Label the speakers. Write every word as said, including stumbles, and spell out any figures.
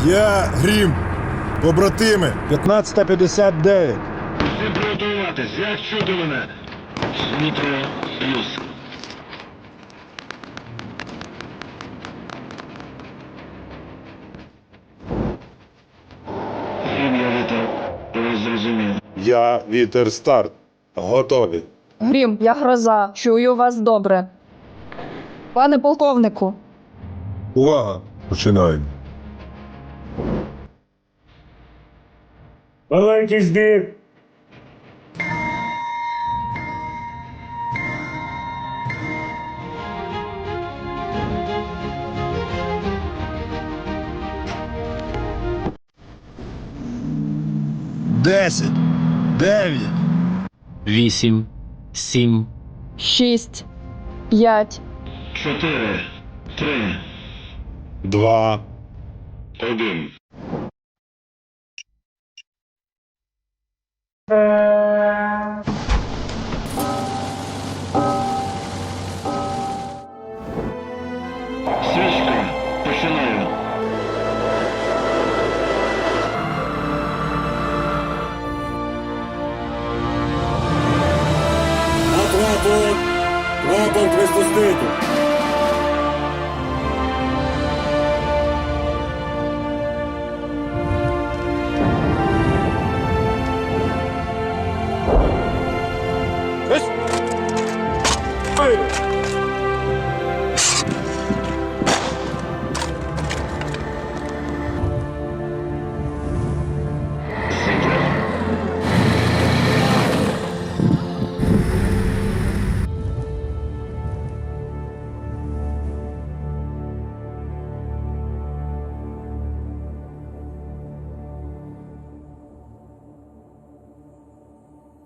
Speaker 1: Я Грім. Побратими.
Speaker 2: п'ятнадцята п'ятдесят дев'ять.
Speaker 3: Всім приготуватись, як чути мене? Дмитро плюс. Грім, я вітер. Ви зрозумів.
Speaker 2: Я Вітер Старт. Готові.
Speaker 4: Грім, я гроза. Чую вас добре. Пане полковнику,
Speaker 2: Увага! Починаємо.
Speaker 5: Маленький збір.
Speaker 1: Десять. Дев'ять.
Speaker 6: Вісім, сім,
Speaker 4: шість, п'ять,
Speaker 3: Чотири. Три.
Speaker 2: Два.
Speaker 3: Один. Свічка. Починаю.
Speaker 5: Рапорт. Рапорт розпустити.